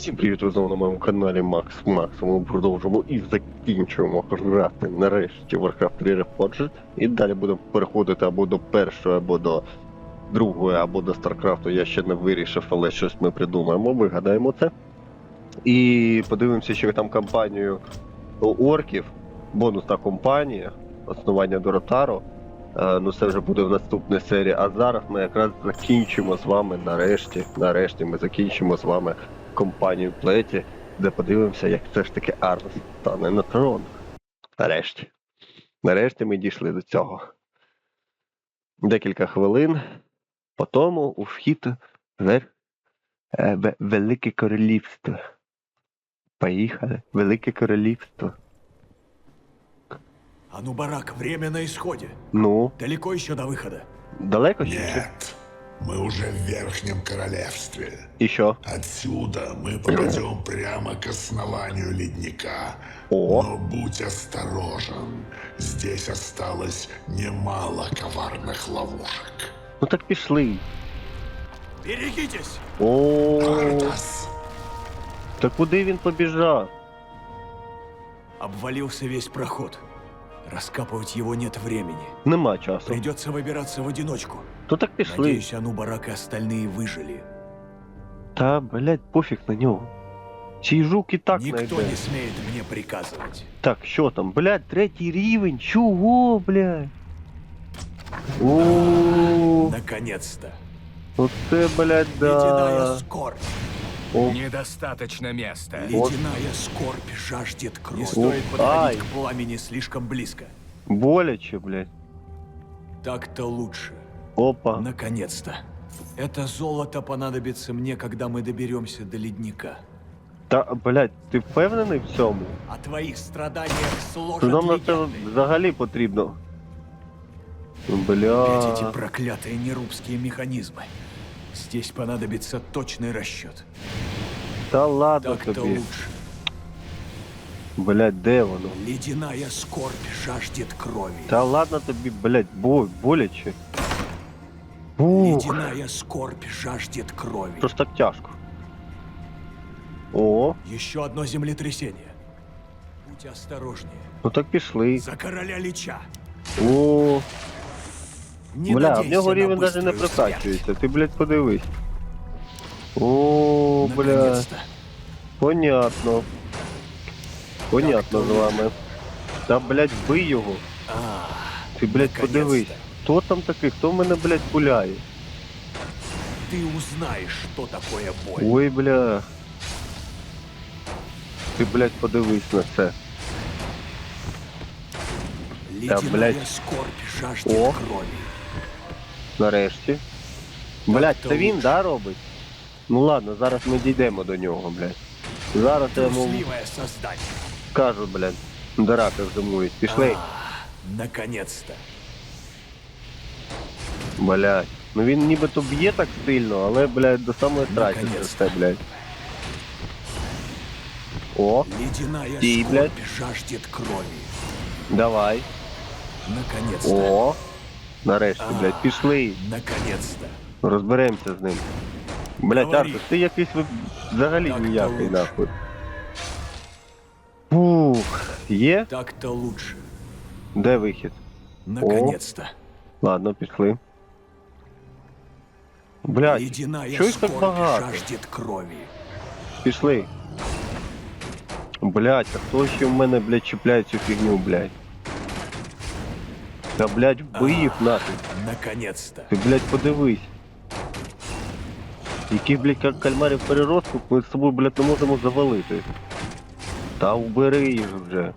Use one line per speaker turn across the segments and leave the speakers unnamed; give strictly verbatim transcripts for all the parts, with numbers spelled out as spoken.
Всім привіт, ви знову на моєму каналі Макс Макс. Ми продовжуємо і закінчуємо грати нарешті Warcraft три Reforged. І далі будемо переходити або до першої, або до другої, або до Старкрафту. Я ще не вирішив, але щось ми придумаємо, вигадаємо це. І подивимося, що там кампанію орків, бонусна кампанія, основання Доротару. Uh, ну це вже буде в наступній серії, а зараз ми якраз закінчимо з вами нарешті, нарешті ми закінчимо з вами компанію Плеті, де подивимося, як все ж таки Арнс стане на трон. Нарешті. Нарешті ми дійшли до цього. Декілька хвилин, по тому у вхід в е, Велике Королівство. Поїхали. Велике Королівство.
Анубарак, время на исходе.
Ну?
Далеко еще до выхода?
Далеко еще?
Нет, мы уже в Верхнем Королевстве.
Еще?
Отсюда мы попадем прямо к основанию ледника.
О.
Но будь осторожен, здесь осталось немало коварных ловушек.
Ну так пішли.
Берегитесь!
О,
Артас,
та куди він побіжав?
Обвалился весь проход. Раскапывать его нет времени.
Нема часу.
Придется выбираться в одиночку.
То так пішли.
Надеюсь, Анубарак и остальные выжили.
Та, блядь, пофіг на нього. Цей жук і так
Никто
найде.
не смеет мне приказывать.
Так, що там? Блядь, третій рівень. Чого, блядь? О,
Наконец-то.
оце, блядь,
Ледяная
да.
скорбь.
О,
Недостаточно места.
Ледяная скорбь жаждет крови. Не
стоит
стоит
подходить
подходить к пламени слишком близко.
боляче, блядь.
Так-то лучше.
Опа.
Наконец-то. Это золото понадобится мне, когда мы доберемся до ледника.
Та, блядь, ти впевнений в цьому?
О твоих страданиях
Що
сложат
нам на це
легенды.
взагалі потрібно?
Опять
Бля.
эти проклятые нерубские механизмы. Здесь понадобится точный расчет.
Та ладно
Так-то
тобі.
лучше.
Блядь, де воно?
Ледяная скорбь жаждет крови.
Та ладно тобі, блядь, бо, боляче. Ух,
Ледяная скорбь жаждет крови.
що ж так тяжко? О,
Еще одно землетрясение. Будь осторожнее.
ну так пішли.
За короля Лича.
О,
Не
бля, в
надейся
нього
на
рівень навіть не
быструю смерть.
прокачується. Ти, блядь, подивись. О, бля,
Наконец-то.
понятно. Понятно з вами. Та, блядь, вбий його.
А,
Ти, блядь,
наконец-то.
подивись. Хто там такий? Хто в мене, блядь, пуляє?
Ты узнаешь, что такое боль.
Ой, бля. Ти, блядь, подивись на це.
Ледяная
блядь.
скорбь жаждет
О.
крови.
Нарешті. Блядь,
то
це він,
лучше.
да, робить? Ну ладно, зараз ми дійдемо до нього, блядь. Зараз я йому
Трусливое создание.
скажу, блядь. Драки зимують. Пішли.
А, наконец-то.
Блядь. Ну він нібито б'є так сильно, але, блядь, до самої страті це
Наконец-то.
все, блядь. О,
Ледяная
Ей,
скорбь
блядь.
жаждет крови.
давай.
Наконец-то.
О. Нарешті,
А,
блядь, пішли.
Наконец-то.
Розберемося з ним. Блядь,
Говори.
Артур, ти якийсь ви- взагалі
Так-то
ніякий,
лучше.
нахуй. Фух, є?
Так-то лучше.
Де вихід?
Наконец-то.
Ладно, пішли. Блядь,
Ледяная
чого їх так
скорбь
багато?
жаждет крови.
Пішли. Блядь, а хто ще в мене, блядь, чіпляє цю фігню, блядь? Та, блядь, вбий їх нафіг.
Наконец-то.
Ти, блядь, подивись. Яких, блядь, як кальмарів переростку ми з собою, блядь, не можемо завалити. Та убери їх вже.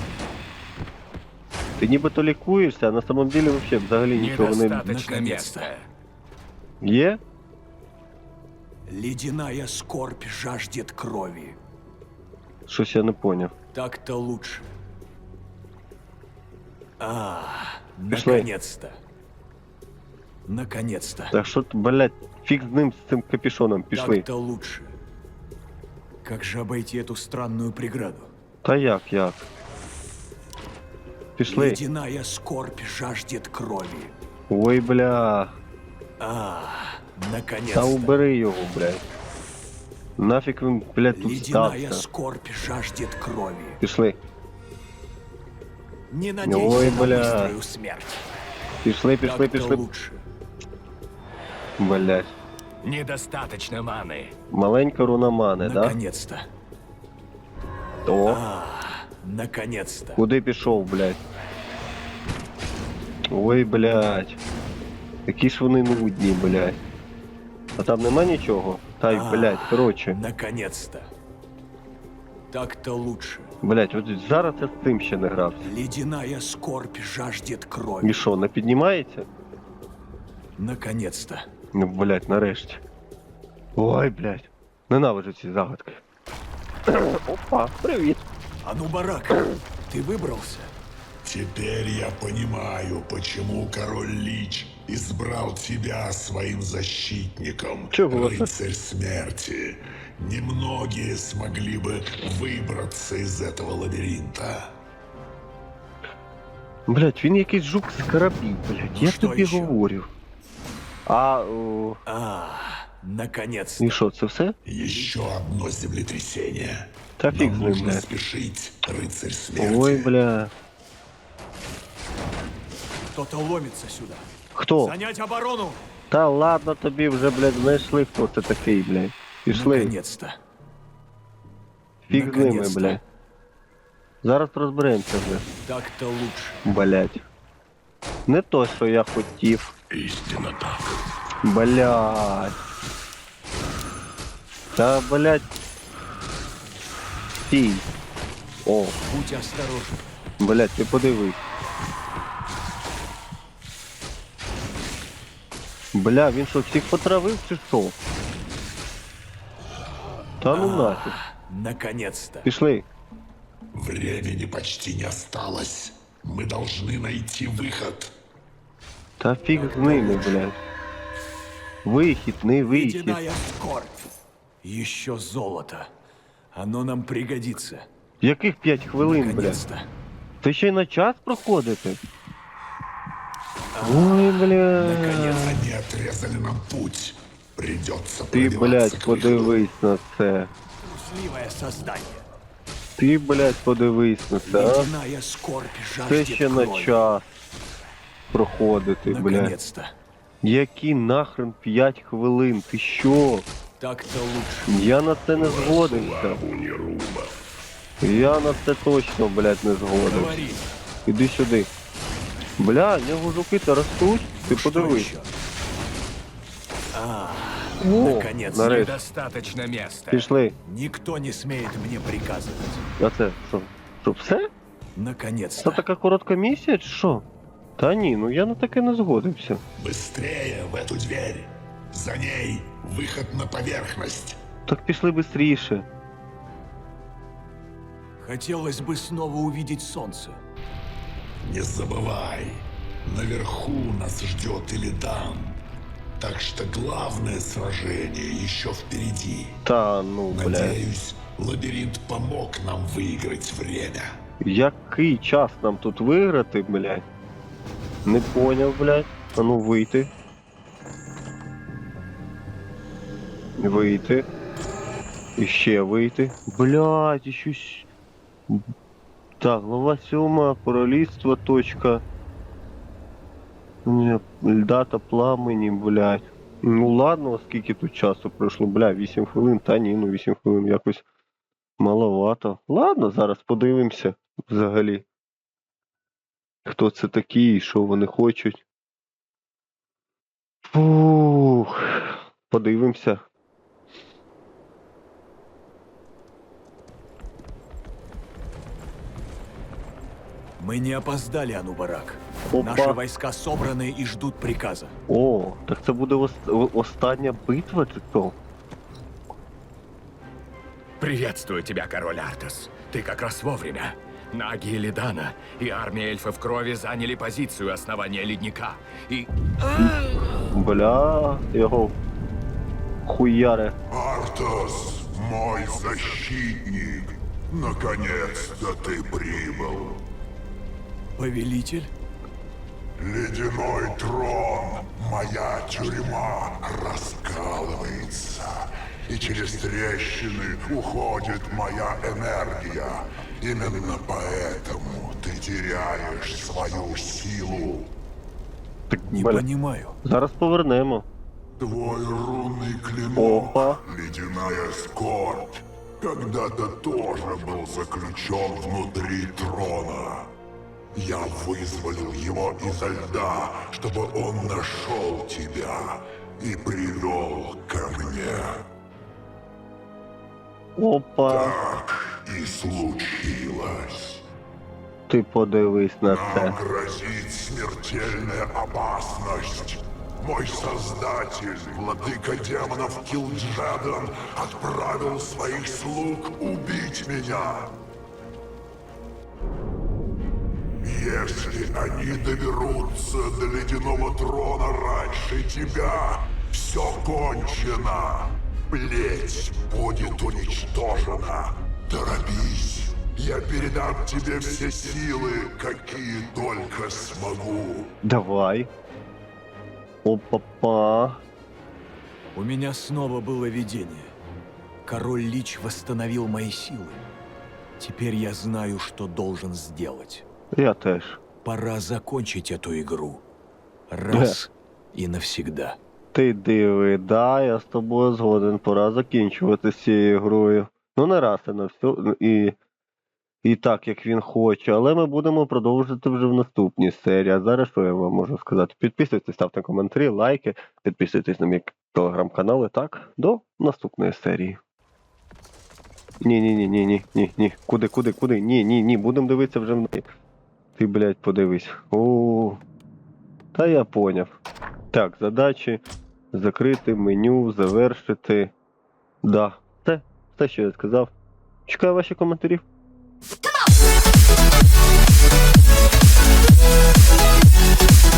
Ти нібито лікуєшся, а на самом деле вообще взагалі нічого не...
Недостаточно
Наконец-то.
места.
Є?
Ледяная скорбь жаждет крови.
Щось я не поняв.
Так-то лучше. А,
Пішли.
наконец-то. Наконец-то.
Так що, ти, блядь, фіг з ним, з цим капюшоном, пішли.
Так-то лучше. Как же обойти эту странную преграду?
Та як, як? Пішли.
Ледяная скорбь жаждет крови.
Ой, бля.
А,
Та
наконец-то.
убери його, блядь. Нафіг він, блядь, тут
Ледяная
стався.
скорбь жаждет крови.
Пішли.
Не надейся
Ой,
на
бля.
быструю смерть.
Пішли, пішли,
Так-то
пішли.
лучше.
Блядь.
Недостаточно маны.
Маленька руна мани, да?
Наконец-то.
О,
Наконец-то.
куди пішов, блядь? Ой, блядь. Які ж вони нудні, блядь. А там нема нічого? Та й,
А.
блядь, коротше.
Наконец-то. Так-то лучше.
Блядь, от зараз я з тим ще не грався.
Ледяная скорбь жаждет крови.
І що, не піднімається?
Наконец-то.
Ну, блядь, нарешті. Ой, блядь. Ненавиджу ці загадки. Опа, привіт.
А ну, барак, ты выбрался?
Теперь я понимаю, почему король Лич избрал тебя своим защитником,
Чего?
рыцарь смерти. Немногие смогли бы выбраться из этого лабиринта.
Блядь, він якийсь жук з карабів, блядь.
Ну,
Я
що
тобі
ще?
говорю. А, о,
А, наконец-то.
і що, це все?
Еще одно землетрясение.
Та фіг
Нам
з ним,
нужно
блядь.
спешить, рыцарь смерти.
Ой, бля.
Кто-то ломится сюда.
Хто?
Занять оборону!
Та ладно тобі вже, блядь, знайшли, хто це такий, блядь. Пішли.
Наконец-то.
Фіг з ними,
Наконец-то.
блядь. Зараз розберемося вже.
Так-то лучше.
Блядь. Не то, що я хотів.
Истинно так.
Блядь. Та, блядь. Стій. О,
Будь осторожен.
блядь, ти подивись. Бля, він що, всіх потравив чи що? Та ну нафіг.
Наконец-то.
Пішли.
Времени почти не осталось. Мы должны найти выход.
Та фіг з ними, блядь. Вихід, не вихід.
Ледяная скорбь. Еще золото. Оно нам пригодится.
Яких п'ять хвилин, блядь?
Наконец-то.
Ти ще й на час проходити? Ой, блядь.
Наконец-то.
Они отрезали нам путь. Придется
Ти,
пробиваться
блядь,
к выходу.
подивись на це.
Трусливое создание.
Ти, блядь, подивись на це, а?
Ледяная скорбь
Це
жаждет
ще на
крови.
час проходити, блядь.
Наконец-то.
Які нахрен п'ять хвилин? Ти що?
Так-то лучше.
Я на це не згодився. Я на це точно, блядь, не згодився.
Говори.
Іди сюди. Бля, в нього жуки-то ростуть. Ти
Что
подивись.
еще? А,
О,
наконец-то.
нарешті.
Недостаточно места.
Пішли.
Никто не смеет мне приказывать.
А це що? Що, все? Це
Наконец-то.
така коротка місія, чи що? Та ні, ну я на таке не згодився.
Быстрее в эту дверь. За ней выход на поверхность.
Так пішли бистріше.
Хотелось бы снова увидеть солнце.
Не забывай, наверху нас ждет Илидан. Так что главное сражение еще впереди.
Та ну, блядь.
Надеюсь, лабиринт помог нам выиграть время.
Який час нам тут виграти, блядь? Не поняв, блядь. А ну вийти. Вийти. І ще вийти. Блядь, і щось. Так, глава сьома, королівство, точка. Ні, льда та пламені, блядь. Ну ладно, скільки тут часу пройшло, бля, вісім хвилин, та ні, ну вісім хвилин якось маловато. Ладно, зараз подивимося взагалі. Хто це такі і що вони хочуть. Фух, подивимося.
Мы не опоздали, Анубарак.
Опа.
Наши войска собраны и ждут приказа.
О, так це буде ос- о- остання битва, чи то?
Приветствую тебя, король Артас. Ты как раз вовремя. Наги Элидана и армия эльфов крови заняли позицию основания ледника. И...
Бля, його хуяре.
Артас, мой защитник, наконец-то ты прибыл.
Повелитель?
Ледяной трон, моя тюрьма раскалывается. и через трещины уходит моя энергия. Именно поэтому ты теряешь свою силу.
Так,
Не
бля,
понимаю.
зараз повернемо.
Твой рунный клинок,
Опа.
ледяная скорбь, когда-то тоже был заключен внутри трона. Я вызволил его изо льда, чтобы он нашел тебя и привел ко мне.
Опа,
Так и случилось.
ти подивись на це.
Нам грозит смертельная опасность. Мой создатель, владыка демонов Килджадан, отправил своих слуг убить меня. Если они доберутся до ледяного трона раньше тебя, все кончено. Плеть будет уничтожена. Торопись, я передам тебе все силы, какие только смогу.
Давай. Опа-па.
У меня снова было видение. Король Лич восстановил мои силы. Теперь я знаю, что должен сделать.
Я теж.
Пора закончить эту игру. Раз и навсегда.
Ти диви, да, я з тобою згоден, пора закінчувати з цією грою. Ну не раз і на всю, і, і так, як він хоче, але ми будемо продовжувати вже в наступній серії. А зараз що я вам можу сказати? Підписуйтесь, ставте коментарі, лайки, підписуйтесь на мій телеграм-канал і так, до наступної серії. Ні-ні-ні-ні-ні-ні-ні. Куди, куди, куди? Ні-ні-ні, будемо дивитися вже в неї. Ти, блядь, подивись. О, та я поняв. Так, задачі. Закрити, меню, завершити. Да, все, все, що я сказав. Чекаю ваші коментарі.
Come on!